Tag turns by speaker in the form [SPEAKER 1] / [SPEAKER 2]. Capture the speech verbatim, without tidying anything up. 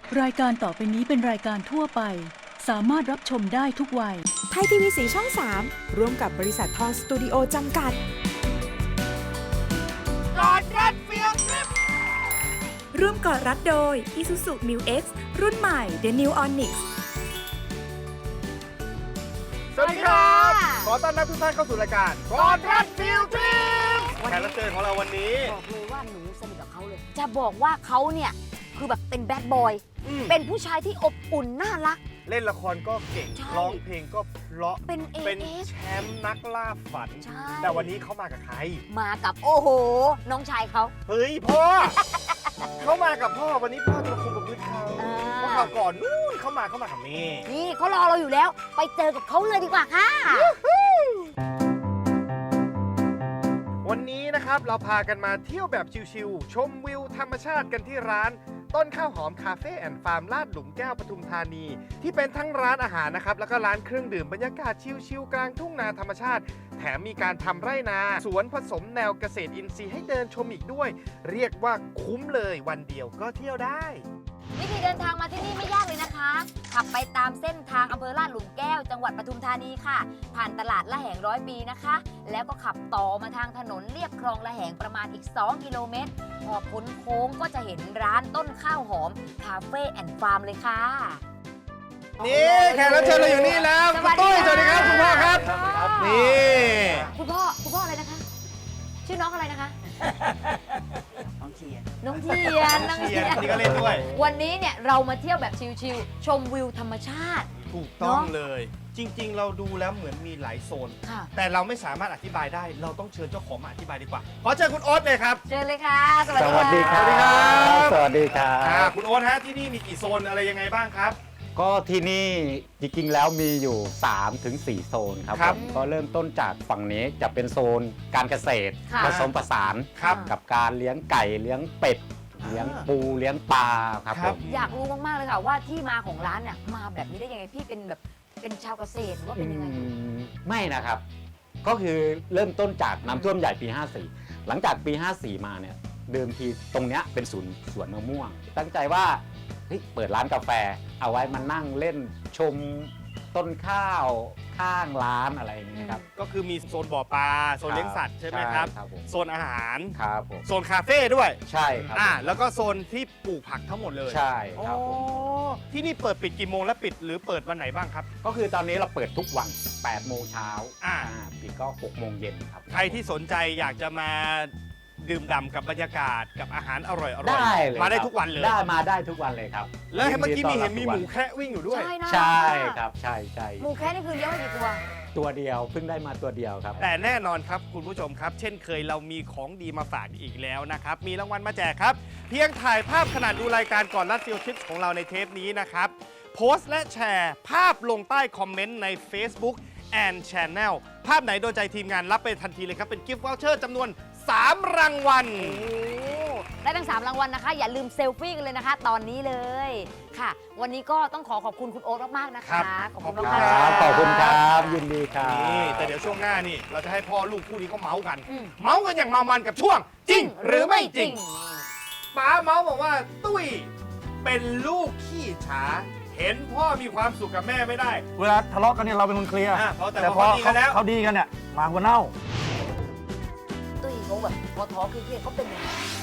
[SPEAKER 1] รายการต่อไปนี้เป็นรายการทั่วไปสามารถรับชมได้ทุกวัย
[SPEAKER 2] ไทยทีวีสีช่องสามร่วมกับบริษัททองสตูดิโอจำกัด
[SPEAKER 3] กอดรัดเฟียลทริป
[SPEAKER 2] ร่วมกอดรัดโดย Isuzu Mu X รุ่นใหม่ The New Onyx
[SPEAKER 3] สวัสดีครับขอต้อนรับทุกท่านเข้าสู่รายการกอดรัดเฟียลทริปแขกรับเชิญของเราวันนี้
[SPEAKER 4] บอกเลยว่าหนูสนิทกับเขาเลยจะบอกว่าเขาเนี่ยคือแบบเป็นแบดบอยเป็นผู้ชายที่อบอุ่นน่ารัก
[SPEAKER 3] เล่นละครก็เก่งร้องเพลงก็เพราะ
[SPEAKER 4] เป็นเอ
[SPEAKER 3] เป็นแชมป์นักล่าฝันแต่วันนี้เขามากับใคร
[SPEAKER 4] มากับโอ้โหน้องชายเขา
[SPEAKER 3] เฮ้ยพ่อ เขามากับพ่อวันนี้พ่อจะคุมกับพื้นเขาเพราะเขาก่อนนู่นเขามาเขามากับแม่
[SPEAKER 4] นี่เขารอเราอยู่แล้วไปเจอกับเขาเลยดีกว่าค่ะ
[SPEAKER 3] วันนี้นะครับเราพากันมาเที่ยวแบบชิลๆชมวิวธรรมชาติกันที่ร้านต้นข้าวหอมคาเฟ่แอนด์ฟาร์มลาดหลุมแก้วปทุมธานีที่เป็นทั้งร้านอาหารนะครับแล้วก็ร้านเครื่องดื่มบรรยากาศชิลๆกลางทุ่งนาธรรมชาติแถมมีการทำไร่นาสวนผสมแนวเกษตรอินทรีย์ให้เดินชมอีกด้วยเรียกว่าคุ้มเลยวันเดียวก็เที่ยวได้
[SPEAKER 4] วิธีเดินทางมาที่นี่ไม่ยากเลยนะคะขับไปตามเส้นทางอำเภอลาดหลุมแก้วจังหวัดปทุมธานีค่ะผ่านตลาดละแหงร้อยปีนะคะแล้วก็ขับต่อมาทางถนนเลียบคลองละแหงประมาณอีกสองกิโลเมตรพอพ้นโค้งก็จะเห็นร้านต้นข้าวหอมคาเฟ่แอนด์ฟาร์มเลยค่ะ
[SPEAKER 3] นี่แขกรับเชิญเราอยู่นี่แล้วคุณตุ้ยสวัสดีครับคุณพ่อครับนี่
[SPEAKER 4] คุณพ่อคุณพ่ออะไรนะคะชื่อน้องอะไรนะคะ
[SPEAKER 5] น้องเทียน
[SPEAKER 4] น้องเทียนน้องเทียน
[SPEAKER 3] นี่ก็เล่นด้วย
[SPEAKER 4] วันนี้เนี่ยเรามาเที่ยวแบบชิลๆชมวิวธรรมชาติ
[SPEAKER 3] ถูกต้องเลยจริงๆเราดูแล้วเหมือนมีหลายโซนแต่เราไม่สามารถอธิบายได้เราต้องเชิญเจ้าของมาอธิบายดีกว่าขอเชิญคุณโอ๊ตเลยครับ
[SPEAKER 4] เชิญเลยค่ะ
[SPEAKER 5] สวัสดีครับสวัสดีครับสวัสดีครับ
[SPEAKER 3] คุณโอ๊ตฮะที่นี่มีกี่โซนอะไรยังไงบ้างครับ
[SPEAKER 5] ก็ที่นี่จริงๆแล้วมีอยู่ สามถึงสี่ โซนครับผมก็เริ่มต้นจากฝั่งนี้จะเป็นโซนการเกษตรผสมผสานกับการเลี้ยงไก่เลี้ยงเป็ดเลี้ยงปูเลี้ยงปลาครับผม
[SPEAKER 4] อยากรู้มากๆเลยค่ะว่าที่มาของร้านเนี่ยมาแบบนี้ได้ยังไงพี่เป็นแบบเป็นชาวเกษตรหรือว่าเป็นยังไง
[SPEAKER 5] ไม่นะครับก็คือเริ่มต้นจากน้ำท่วมใหญ่ปีห้าสี่หลังจากปีห้าสี่มาเนี่ยเดิมทีตรงเนี้ยเป็นศูนย์สวนมะม่วงตั้งใจว่าเปิดร้านกาแฟเอาไว้มานั่งเล่นชมต้นข้าวข้างร้านอะไรอย่างนี้ครับ
[SPEAKER 3] ก็คือมีโซนบ่อปลาโซนเลี้ยงสัตว์ใช่ไหมครับโซนอาหาร
[SPEAKER 5] ครับผม
[SPEAKER 3] โซนคาเฟ่ด้วย
[SPEAKER 5] ใช่ครับ
[SPEAKER 3] อ่าแล้วก็โซนที่ปลูกผักทั้งหมดเลย
[SPEAKER 5] ใช่ครับผม
[SPEAKER 3] ที่นี่เปิดปิดกี่โมงและปิดหรือเปิดวันไหนบ้างครับ
[SPEAKER 5] ก็คือตอนนี้เราเปิดทุกวันแปดโมงเช้า
[SPEAKER 3] อ่า
[SPEAKER 5] ปิดก็หกโมงเย็นครับ
[SPEAKER 3] ใครที่สนใจอยากจะมาดื่มด่ำกับบรรยากาศกับอาหารอร่อย
[SPEAKER 5] ๆได้
[SPEAKER 3] มาได้ทุกวันเลย
[SPEAKER 5] ได้มาได้ทุกวันเลยครับ
[SPEAKER 3] แล้วเมื่อกี้มีเห็นมีหมูแคระวิ่งอยู่ด้วย
[SPEAKER 5] ใช่ครับใช่ใช่
[SPEAKER 4] หมูแคระนี่คือเลี้ยงไว้กี่ตัว
[SPEAKER 5] ตัวเดียวเพิ่งได้มาตัวเดียวครับ
[SPEAKER 3] แต่แน่นอนครับคุณผู้ชมครับเช่นเคยเรามีของดีมาฝากอีกแล้วนะครับมีรางวัลมาแจกครับเพียงถ่ายภาพขณะดูรายการก่อนรัดฟิลทริปของเราในเทปนี้นะครับโพสต์และแชร์ภาพลงใต้คอมเมนต์ใน Facebook and Channel ภาพไหนโดนใจทีมงานรับไปทันทีเลยครับเป็นกิฟต์วอเชอร์จำนวนสามรางวัล
[SPEAKER 4] ได้ทั้งสามรางวัลนะคะอย่าลืมเซลฟี่กันเลยนะคะตอนนี้เลยค่ะวันนี้ก็ต้องขอขอบคุณคุณโอ๊ตมากๆนะคะ
[SPEAKER 5] ขอบคุณครับขอบคุณครับยินดีครับ
[SPEAKER 3] นี่แต่เดี๋ยวช่วงหน้านี่เราจะให้พ่อลูกคู่นี้เขาเมาส์กันเมาส์กันอย่างเมามันกับช่วงจริงหรือไม่จริงป๋าเมาส์บอกว่าตุ้ยเป็นลูกขี้ฉาเห็นพ่อมีความสุขกับแม่ไม่ได้
[SPEAKER 6] เวลาทะเลาะกันเนี่ยเราเป็นคนเคลียร์
[SPEAKER 3] แต่พอเขาดีกันแล้ว
[SPEAKER 6] เขาดีกันเนี่ยมาหัวเน่า
[SPEAKER 4] ตุ้ยเขาแบบพอท้อเครียดเขาเป็นยังไง